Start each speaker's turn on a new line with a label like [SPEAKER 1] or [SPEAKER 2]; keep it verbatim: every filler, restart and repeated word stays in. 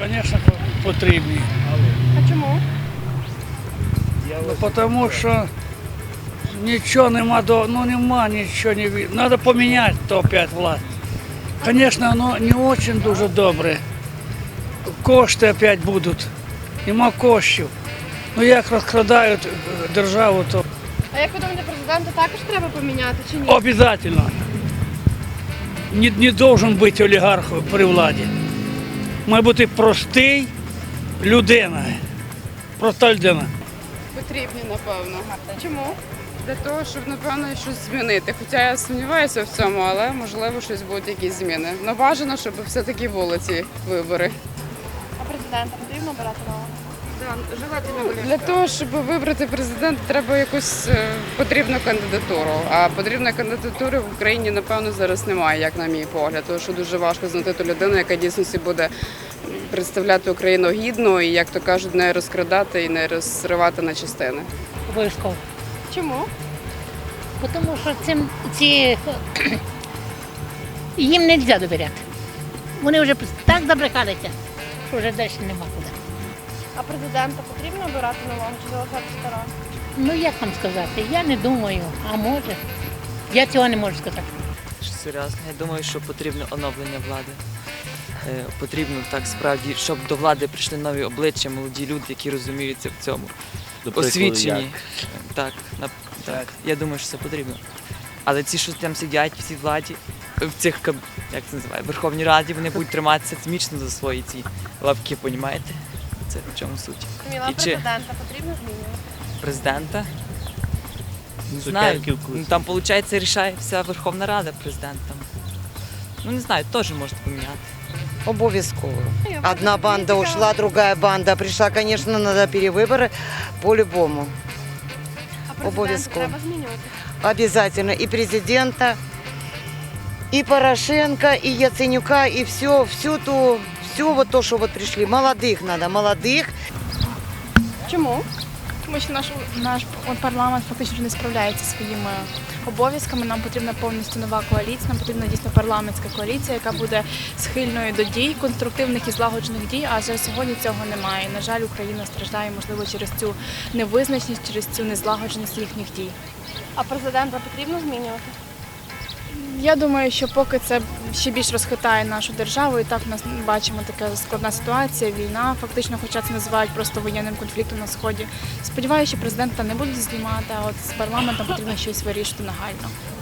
[SPEAKER 1] звісно, потрібні.
[SPEAKER 2] А чому?
[SPEAKER 1] Ну, тому що нічого нема, до, ну нема нічого не від. Треба поміняти то опять власть. Звісно, воно не дуже дуже добре. Кошти опять будуть. Нема коштів. Ну як розкрадають державу, то
[SPEAKER 2] А як ви думаєте, президента також треба поміняти чи ні?
[SPEAKER 1] обов'язково. Не, не должен бути олігарх при владі. Має бути простий людина. Проста людина.
[SPEAKER 3] Потрібні, напевно.
[SPEAKER 2] Чому?
[SPEAKER 3] Для того, щоб, напевно, щось змінити. Хоча я сумніваюся в цьому, але можливо щось будуть якісь зміни. Но бажано, щоб все-таки були ці вибори.
[SPEAKER 2] А президента потрібно обирати нового?
[SPEAKER 3] Для того, щоб вибрати президента, треба якусь е, потрібну кандидатуру. А потрібної кандидатури в Україні, напевно, зараз немає, як на мій погляд. Тому що дуже важко знайти ту людину, яка дійсно буде представляти Україну гідно і, як то кажуть, не розкрадати і не розривати на частини.
[SPEAKER 4] Обов'язково.
[SPEAKER 2] Чому?
[SPEAKER 4] Тому що цим ці їм не можна довіряти. Вони вже так забрехалися, що вже далі нема куди.
[SPEAKER 2] А президента потрібно обирати нового чи залишати старого?
[SPEAKER 4] Ну як вам сказати, я не думаю, а може. Я цього не можу сказати.
[SPEAKER 5] Серйозно, я думаю, що потрібно оновлення влади. Е, Потрібно так справді, щоб до влади прийшли нові обличчя, молоді люди, які розуміються в цьому. Освічені. Так, на- так, я думаю, що це потрібно. Але ці, що там сидять в цій владі, в цих каб- як це називає, Верховній Раді, вони будуть триматися міцно за свої ці лавки, понімаєте? Це в чому суть.
[SPEAKER 2] Зміна
[SPEAKER 5] І чи-
[SPEAKER 2] президента потрібно змінювати?
[SPEAKER 5] Президента? Не знаю. Ну, там, виходить, рішає вся Верховна Рада президентом. Ну, не знаю, теж можна поміняти.
[SPEAKER 6] Обов'язково. Одна банда ушла, другая банда пришла. Конечно, надо перевыборы по-любому.
[SPEAKER 2] А президента
[SPEAKER 6] Обов'язково.
[SPEAKER 2] треба змінювати?
[SPEAKER 6] Обязательно. И президента, и Порошенко, и Яценюка, и все, всю ту, все вот то, что вот пришли. Молодых надо, молодых.
[SPEAKER 2] Чому?
[SPEAKER 7] Тому що наш, наш парламент фактично вже не справляється зі своїми обов'язками. Нам потрібна повністю нова коаліція, нам потрібна дійсно парламентська коаліція, яка буде схильною до дій, конструктивних і злагоджених дій, а вже сьогодні цього немає. І, на жаль, Україна страждає, можливо, через цю невизначеність, через цю незлагодженість їхніх дій.
[SPEAKER 2] А президента потрібно змінювати?
[SPEAKER 7] Я думаю, що поки це ще більш розхитає нашу державу, і так в нас бачимо така складна ситуація, війна, фактично, хоча це називають просто воєнним конфліктом на Сході. Сподіваюся, що президента не будуть знімати, а от з парламентом потрібно щось вирішити нагально.